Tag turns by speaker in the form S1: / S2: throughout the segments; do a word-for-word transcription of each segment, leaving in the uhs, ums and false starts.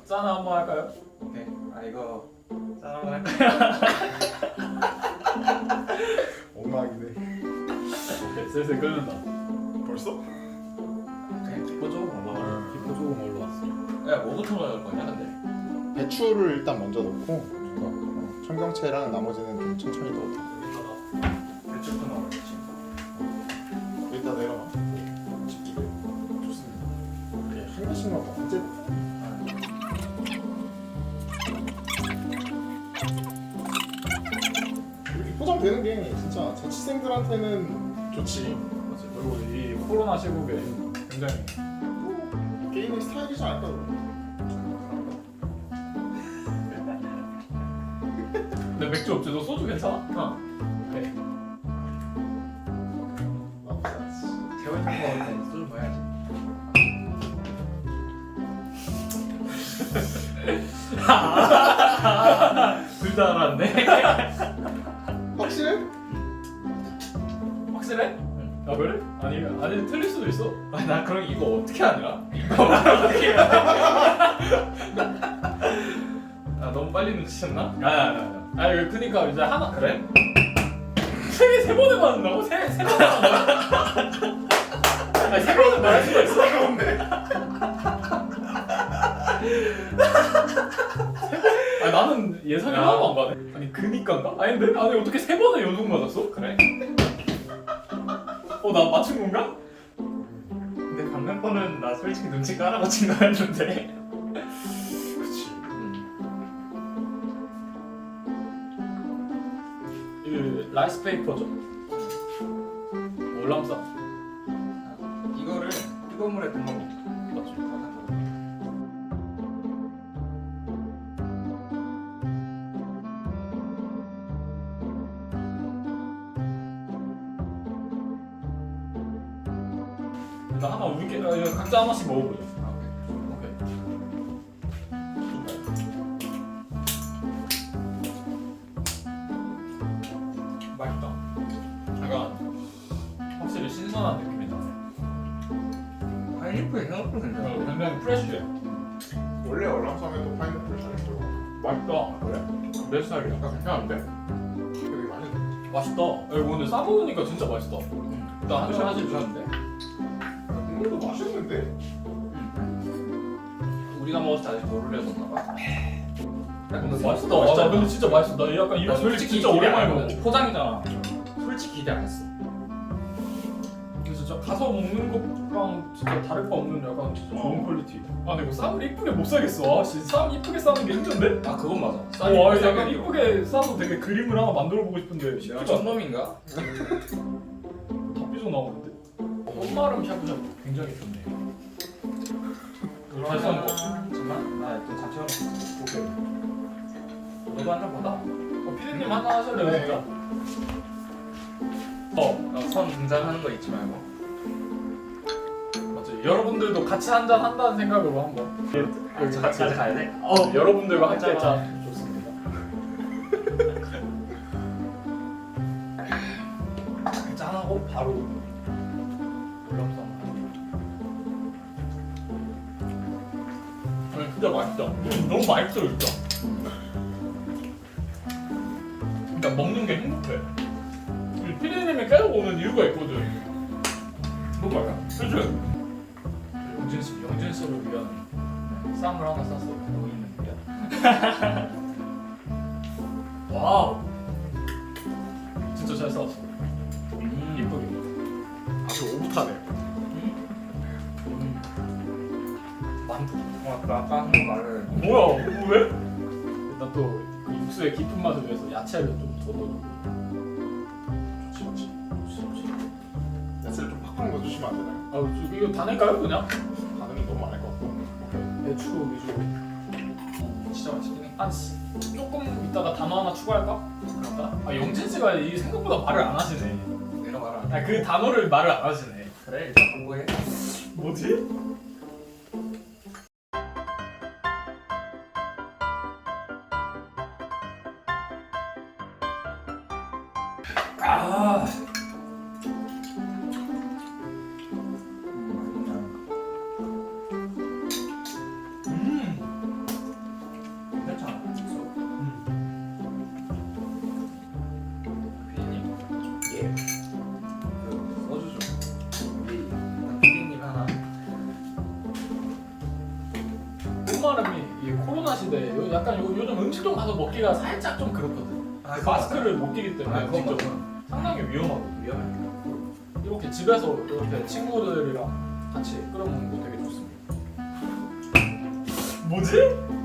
S1: 짠 한번 할까요?
S2: 오케이. 아 이거 짠 한번 할까요?
S3: 엉망이네.
S1: 오케이, 슬슬 끓는다.
S3: 벌써?
S2: 그냥 기포 조금 올라가.
S1: 기포 조금 올라왔어.
S2: 야 뭐부터 넣을 거냐 근데?
S3: 배추를 일단 먼저 넣고 어, 청경채랑 나머지는 좀 천천히 넣어도 돼.
S2: 배추부터 넣어야지.
S3: 일단 내려놔. 집기게 좋습니다. 네, 한 개씩만 언제? 이렇게 포장되는 게 진짜 자취생들한테는 좋지.
S1: 맞아. 그리고 이 코로나 시국에 굉장히
S3: 뭐, 개인의 스타일이지 않을까? 그럼.
S1: 근데 맥주 없지? 너 소주 괜찮아?
S2: 어.
S1: 오케이.
S3: 나쁘지 않지.
S2: 재활용 먹을 때 소주 먹어야지.
S1: 둘 다 알았네.
S3: 확실해?
S1: 확실해?
S2: 응.
S1: 아 그래? 아니 아니 틀릴 수도 있어.
S2: 아니 나 그럼 이거 어떻게 하냐? 이거 어떻게 해? 아 너무 빨리 눈치챘나?
S1: 아니 아니 아니. 아니 그니까 이제 하나 그래? 세, 세 번을 맞는다고? 세, 세 번을 맞는다고? 아니 세 번을 말할 수가 있어?
S3: 그런데.
S1: 아니 나는 예상이
S2: 야.
S1: 하나도 안 가네. 아니 그니까인가? 아닌데? 아니 어떻게 세 번을 연속 맞았어?
S2: 그래?
S1: 어 나 맞춘 건가?
S2: 근데 방금 거는 나 솔직히 눈치 까라고 친 거였는데.
S3: 그치.
S1: 이 라이스 페이퍼죠. 월남쌈
S2: 이거를 뜨거운 물에 담가 먹어.
S1: 맞죠? 일단 하나 우리끼리 어, 이거 각자 하나씩 먹어보자.
S2: 아, 오케이.
S1: 오케이. 맛있다. 약간 확실히 신선한 느낌이 나네.
S2: 파인애플이 생각보다
S1: 어,
S2: 괜찮아.
S1: 굉장히 프레쉬해.
S3: 원래 얼랑쌈에도 파인애플 잘 들어가.
S1: 맛있다. 그래? 내 스타일이야.
S2: 아, 괜찮은데?
S3: 되게 맛있네.
S1: 맛있다. 야, 이거 근데 싸먹으니까 진짜 맛있다. 일단 한 잔 하실 주셨는데.
S3: 국물도 맛있는데?
S2: 우리가 먹었을 때 아직 덜 올려졌나 봐.
S1: 근데 맛있다. 아, 나 근데 진짜 맛있어. 나 약간
S2: 나
S1: 이런
S2: 솔직히
S1: 진짜
S2: 기대
S1: 오랜만에
S2: 안
S1: 먹어.
S2: 했어. 포장이잖아. 솔직히 기대 안 했어.
S1: 근데 진짜 가서 먹는 것랑 진짜 다를 바 없는 약간 진짜 좋은
S3: 어.
S1: 퀄리티. 아 근데 이거 쌈을 이쁘게 못 사겠어. 아 진짜 쌈 이쁘게 싸는 게 힘든데?
S2: 아 그건 맞아.
S1: 와 아, 약간 이쁘게 싸서 되게 그림을 하나 만들어 보고 싶은데
S2: 내가
S1: 쉽지가 않아.
S2: 촌놈인가?
S1: 다 삐져 나오는데? 꽃마름 샤브샤브 굉장히 좋네. 잘 싸는 거.
S2: 잠깐만 나또 자체 하나.
S1: 오케이.
S2: 너도 한 잔 받아.
S1: 어, 피디님 하나 하실래요
S3: 네.
S1: 진짜? 어
S2: 어, 선 등장하는 거 잊지 말고.
S1: 맞지. 여러분들도 같이 한잔 한다는 생각으로 한번. 여기 같이
S2: 가야 돼?
S1: 어 여러분들과 함께
S2: 한잔.
S1: 짠 좋습니다. 짠하고 바로 올람쌈. 아니 진짜 맛있다. 너무 맛있어 진짜. 그러니까 먹는 게 행복해. 우리 피디님이 계속 오는 이유가 있거든.
S2: 뭐 말이야?
S1: 그치? 영진 씨, 영진 씨를 위한 쌈을 하나 쌌어.
S2: 뭐 있는 거야?
S1: 와우. 진짜 잘 싸웠어.
S2: 음.
S1: 이쁘게.
S3: 아주 오붓하네.
S1: 만두.
S2: 고맙다. 아까 한 거 말을.
S1: 뭐야? 왜? 일단 또 그 육수의 깊은 맛을 위해서 야채를 좀 더 넣어주고.
S3: 좋지 좋지. 야채를 좀 팍팍 넣어주시면 안 되나요?
S1: 아, 저 이거 다 낼까요 그냥?
S3: 반응은 너무 많을 것 같고.
S1: 배추 위주로.
S2: 진짜 맛있긴 해.
S1: 한 씨, 조금 이따가 단어 하나 추가할까? 그럴까? 아 영진 씨가 이 생각보다 말을 안 하시네.
S2: 내가 말을 안 해.
S1: 아 그 단어를 말을 안 하시네.
S2: 그래 일단 공부해.
S1: 뭐지? 아. 음. 시대. 요- 약간 요, 요즘 음식점 가서 먹기가 살짝 좀 그렇거든.
S2: 아,
S1: 마스크를 못 끼기 때문에
S2: 아, 그건
S1: 직접
S2: 맞아.
S1: 상당히 위험하고
S2: 위험해.
S1: 이렇게 집에서 이렇게 친구들이랑 같이 끓여 먹는 거 되게 좋습니다. 뭐지?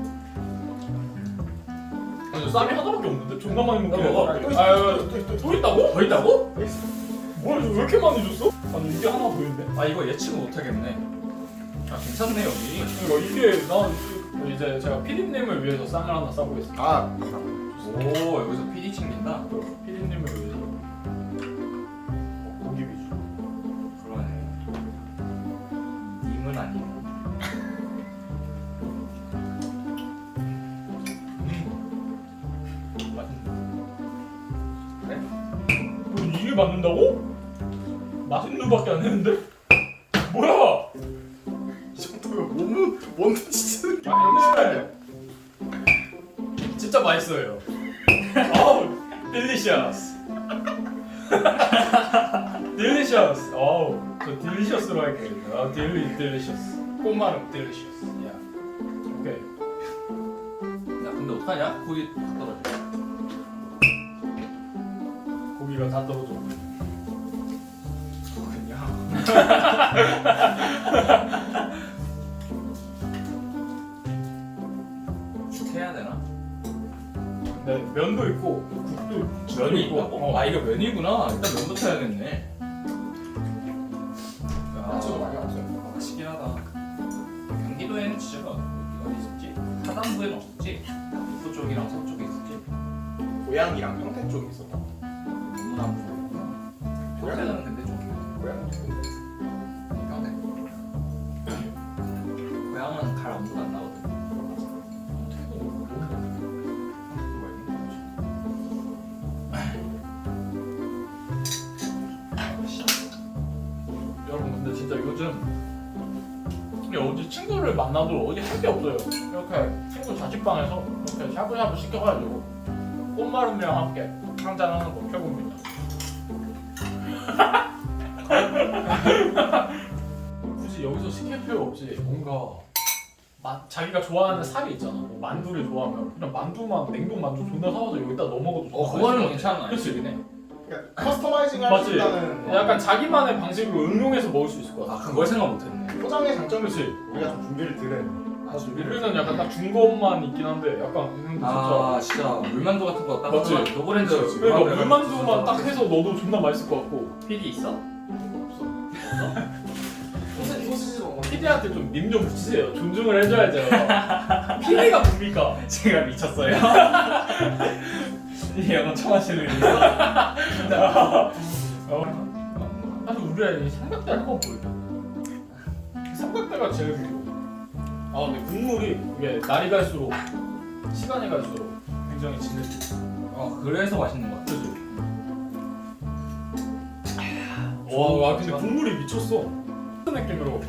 S1: 아니 쌈이 하나밖에 없는데 존나 많이 먹긴
S2: 어, 어,
S1: 해.
S2: 또
S1: 아,
S2: 있어,
S1: 아,
S2: 또 있어, 또 있어.
S1: 또 있다고?
S2: 더 있다고?
S1: 뭐야 왜 이렇게 많이 줬어? 아니 이게 하나 더 있는데.
S2: 아 이거 예측 못하겠네. 아 괜찮네 여기.
S1: 그러니까 이게 난 이제 제가 피디님을 위해서 쌈을 하나 싸보겠습니다.
S3: 아
S2: 오 여기서 피디 챙긴다.
S1: 피디님을 위해서 어, 고기 위주.
S2: 그러네. 님은 아니네.
S1: 음, 맛있네. 그래? 뭐 이게 맞는다고? 맛있는 밖에 안 했는데? 뭐야?
S3: 이 정도면 몸은 뭔데 진짜.
S1: 아니 진짜 맛있어요. 아우 딜리셔스. 딜리셔스. 어우 저 딜리셔스로 할게요. 아 딜리 딜리셔스. 꽃말은 딜리셔스. 야 오케이.
S2: 야 근데 어떡하냐? 거기 다 떨어져.
S1: 고기가 다 떨어져.
S2: 죽 해야 되나?
S1: 네 면도 있고 국도 국도
S2: 면이
S1: 있고.
S2: 있다고?
S1: 어.
S2: 아 이거 면이구나. 일단 면부터 해야겠네.
S3: 야채도 많이 없어요.
S2: 아, 맛있긴 하다. 경기도에는 진짜 어디 어디 있었지? 하단부에는 없었지? 북부 쪽이랑 서쪽에 있었지?
S3: 고양이랑 평택 쪽에 있었다.
S2: 너무 남부구나. 평택은 근데 좀
S3: 고양이 쪽에.
S2: 평택. 고향은 갈 엄두가 안 나거든.
S1: 여러분 근데 진짜 요즘 이게 어디 친구를 만나도 어디 할 게 없어요. 이렇게 친구 자취방에서 이렇게 샤브샤브 시켜가지고 꽃마름이랑 함께 한잔 하는 거 최고입니다. 굳이 여기서 시킬 필요 없이 뭔가 마, 자기가 좋아하는 살이 있잖아. 뭐 만두를 좋아하면 그냥 만두만 냉동 만두 존나 사와서 여기다 넣어 먹어도
S2: 어
S1: 존나
S2: 그거는
S1: 맛있을 것 같아.
S2: 괜찮아.
S1: 그치?
S2: 그치?
S3: 그러니까 커스터마이징 할 수
S1: 맞지?
S3: 있다는.
S1: 약간 자기만의 방식으로 응용해서 먹을 수 있을 것 같아.
S2: 아 그걸 생각 못했네.
S3: 포장의 장점이
S1: 그렇지.
S3: 우리가 좀 준비를 드는.
S2: 아 준비를.
S1: 우리는 약간 딱 준 것만 있긴 한데 약간 형도 진짜
S2: 아 진짜 물만두 같은 거 딱
S1: 맞지?
S2: 하나 노브랜드
S1: 그러니까 물만두만 딱 해서 넣어도 존나 맛있을 것 같고.
S2: 피디 있어?
S1: 없어.
S3: 소시지 소시지 먹어.
S1: 피디한테 좀 님 좀 붙이세요. 존중을 해줘야죠. 피디가 뭡니까?
S2: 제가 미쳤어요. 이 영어 처음 하시는 분이요?
S1: 어. 사실 우리가 이 삼각대 한번 보여줘. 삼각대가 제일 귀여워. 아 근데 국물이 이게 날이 갈수록 시간이 갈수록 굉장히 진해져.
S2: 어 그래서 맛있는 거 같아.
S1: 그지? 와, 와 근데 국물이 미쳤어. 같은 느낌으로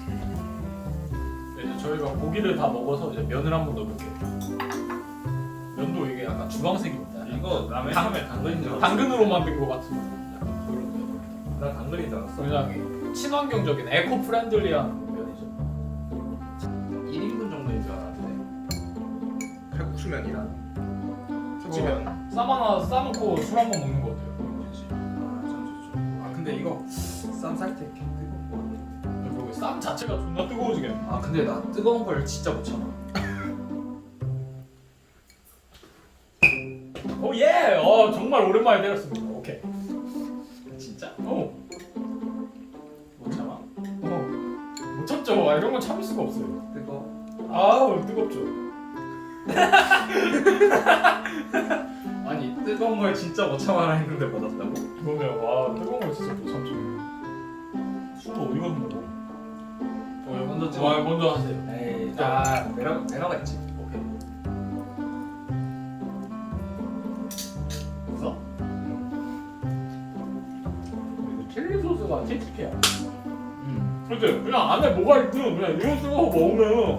S1: 이제 저희가 고기를 다 먹어서 이제 면을 한번 넣어볼게요. 면도 이게 약간 주황색입니다.
S2: 이거 라면
S1: 당-
S2: 처음에 당근인 줄 알았어.
S1: 당근으로 만든 것 같은 약간 그런 면.
S2: 나 당근인 줄 알았어.
S1: 굉장히 친환경적인 에코 프렌들리한 면이죠.
S2: 일 인분 정도인 줄 알았는데.
S3: 칼국수면이랑 소치면.
S1: 쌈 하나 싸놓고 술 한 번 먹는 거 어때요? 민진 씨?
S2: 아참 좋죠. 아 근데 이거 쌈 쌀 때 이렇게 뜨겁고.
S1: 그리고 쌈 자체가 존나 뜨거워지겠네.
S2: 아 근데 나 뜨거운 걸 진짜 못 참아.
S1: 오 예! 어 정말 오랜만에 때렸습니다. 오케이.
S2: 진짜?
S1: 어.
S2: 못 참아.
S1: 어. 못 참죠. 아, 이런 건 참을 수가 없어요.
S2: 뜨거.
S1: 아우 뜨겁죠.
S2: 아니 뜨거운 걸 진짜 못 참아라 했는데 받았다고?
S1: 그러면 와 뜨거운 거 진짜 못 참죠. 술도 어디 가서 먹어? 어,
S2: 먼저 찍어.
S1: 와, 먼저 하세요.
S2: 에이 아 매너 매너가 있지.
S1: 오케이. 됐어? 그리고 칠리 소스가 칙칙해요.
S2: 음.
S1: 그치? 그냥 안에 뭐가 있든 그냥 이거 찍어서 먹으면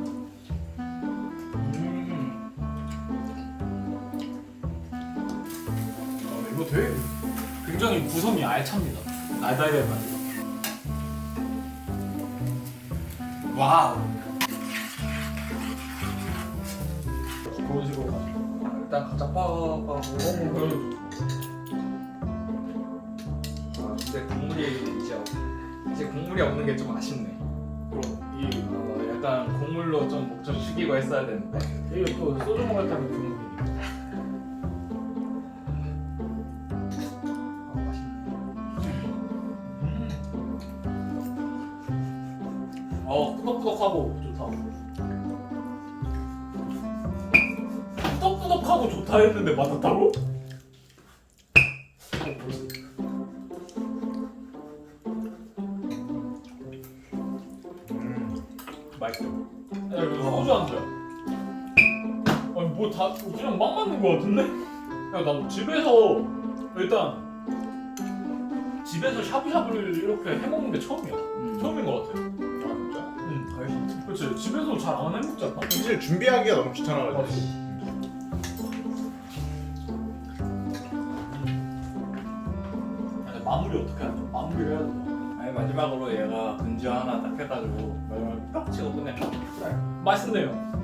S2: 음.
S1: 어, 이거 되게 굉장히 구성이 알찹니다. 알달달한.
S2: 와우.
S1: 식으로 가죠.
S2: 일단 각자 빡빡하고.
S1: 어, 그럼
S2: 아 근데 국물이 이제 없- 이제 국물이 없는 게 좀 아쉽네.
S1: 그럼 이
S2: 어, 약간 국물로 좀 목 좀 죽이고 했어야 되는데.
S1: 이게 또 소주 먹을 때는 국물이니까.
S2: 아 맛있네.
S1: 어, 꾸덕꾸덕하고 좋다. 꾸덕꾸덕하고 좋다 했는데 맞았다고? 어, 뭐지?
S3: 음.
S2: 맛있어.
S1: 야, 이거 소주 안주야. 아니 뭐 다 그냥 막 맞는 거 같은데? 야, 나 집에서 일단 집에서 샤브샤브를 이렇게 해먹는 게 처음이야.
S2: 음.
S1: 처음인 거 같아.
S3: 아 진짜?
S1: 응, 알지. 그렇지. 집에서 잘 안 해먹지 않나?
S3: 사실 준비하기가 너무 귀찮아가지고.
S1: 맞지. 아니, 마무리 어떻게 하죠? 마무리를 해야 돼.
S2: 아니 마지막으로 얘가 근주 하나 딱 해가지고 마지막에 딱 치고 끝내.
S1: 맛있네요.